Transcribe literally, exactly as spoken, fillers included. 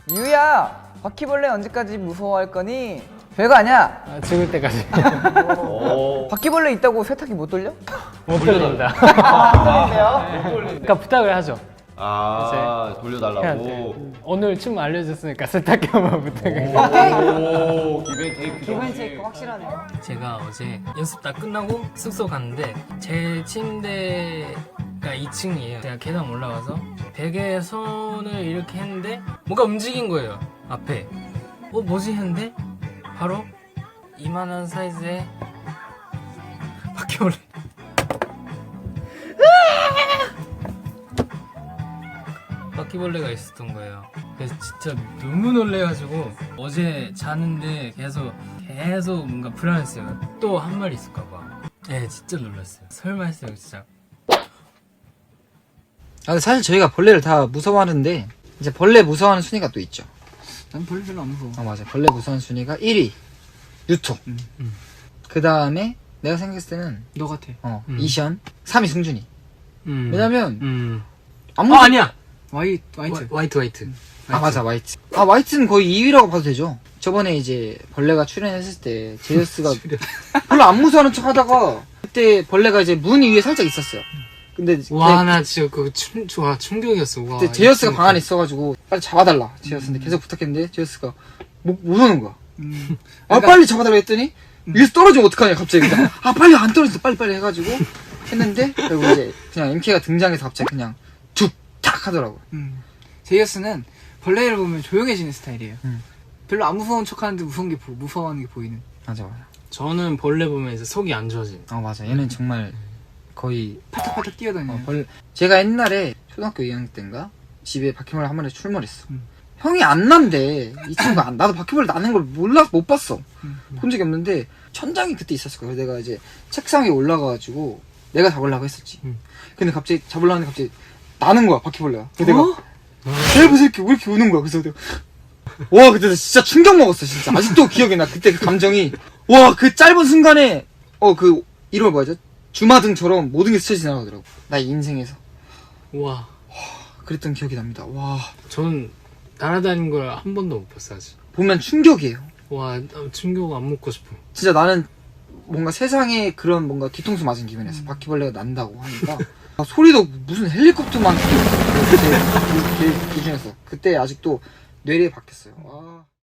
유야, 바퀴벌레 언제까지 무서워할 거니? 별거 아니야. 아, 죽을 때까지. 바퀴벌레 있다고 세탁기 못 돌려? 못 돌립니다. 아, 못 그러니까 부탁을 하죠. 아 해야 돌려달라고. 돼. 오늘 춤 알려줬으니까 세탁기 한번 부탁해. 오 기벤 테이크. 기본 체크 확실하네. 제가 어제 연습 다 끝나고 숙소 갔는데 제 침대가 이 층이에요. 제가 계단 올라가서 베개에 손을 이렇게 했는데 뭔가 움직인 거예요. 앞에. 어 뭐지 했는데 바로 이만한 사이즈의 바퀴벌레. 바퀴벌레가 있었던 거예요. 그래서 진짜 너무 놀래가지고 어제 자는데 계속 계속 뭔가 불안했어요. 또 한 마리 있을까봐. 네, 진짜 놀랐어요. 설마 했어요, 진짜. 아, 근데 사실 저희가 벌레를 다 무서워하는데 이제 벌레 무서워하는 순위가 또 있죠. 난 벌레 별로 안 무서워. 아 맞아. 벌레 무서워하는 순위가 일 위 유토. 음, 음. 그 다음에 내가 생각했을 때는 너 같아. 어 음. 이션, 삼 위 승준이. 음. 왜냐면 음. 아무 어, 아니야! 와이, 와이트. 와, 화이트, 화이트. 아 맞아 화이트. 아 화이트는 거의 이 위라고 봐도 되죠. 저번에 이제 벌레가 출연했을 때 제이어스가 별로 안 무서워하는 척 하다가 그때 벌레가 이제 문 위에 살짝 있었어요. 근데 와, 걔- 나 진짜 그거 충, 와, 충격이었어. 와. 그때 제이어스가 이 방 안에 있어가지고 빨리 잡아달라 제이어스한테 계속 부탁했는데 제이어스가 못, 못 오는 거야. 음. 아 빨리 잡아달라 했더니 위에서 떨어지면 어떡하냐 갑자기. 그냥, 아 빨리 안 떨어졌어 빨리 빨리 해가지고 했는데 결국 이제 그냥 엠케이가 등장해서 갑자기 그냥 툭탁 하더라고. 음. 제이어스는 벌레를 보면 조용해지는 스타일이에요. 음. 별로 안 무서운 척 하는데 무서운 게, 보, 무서워하는 게 보이는. 맞아 맞아. 저는 벌레 보면 이제 속이 안 좋아지. 아 맞아 얘는 정말 거의 파닥파닥 뛰어다녀요. 어, 벌 제가 옛날에 초등학교 이 학년 때인가 집에 바퀴벌레 한 마리 출몰했어. 음. 형이 안 난대. 이 친구가 안, 나도 바퀴벌레 나는 걸 몰라 못 봤어. 음. 본 적이 없는데 천장이 그때 있었을 거야. 내가 이제 책상 위에 올라가가지고 내가 잡으려고 했었지. 음. 근데 갑자기 잡으려고 하는데 갑자기 나는 거야 바퀴벌레가. 그래서 내가 대부 새끼 왜 이렇게 우는 거야. 그래서 내가 와 그때 진짜 충격 먹었어 진짜. 아직도 기억이 나. 그때 그 감정이 와 그 짧은 순간에 어 그 이름을 뭐죠? 주마등처럼 모든 게 스쳐 지나가더라고. 나의 인생에서. 와. 그랬던 기억이 납니다. 와 전 날아다닌 걸 한 번도 못 봤어, 아직. 보면 충격이에요. 와, 나 충격 안 먹고 싶어. 진짜 나는 뭔가 세상에 그런 뭔가 뒤통수 맞은 기분이었어. 바퀴벌레가 난다고 하니까 아, 소리도 무슨 헬리콥터만 그때 그 기준에서 그때 아직도 뇌리에 박혔어요. 와.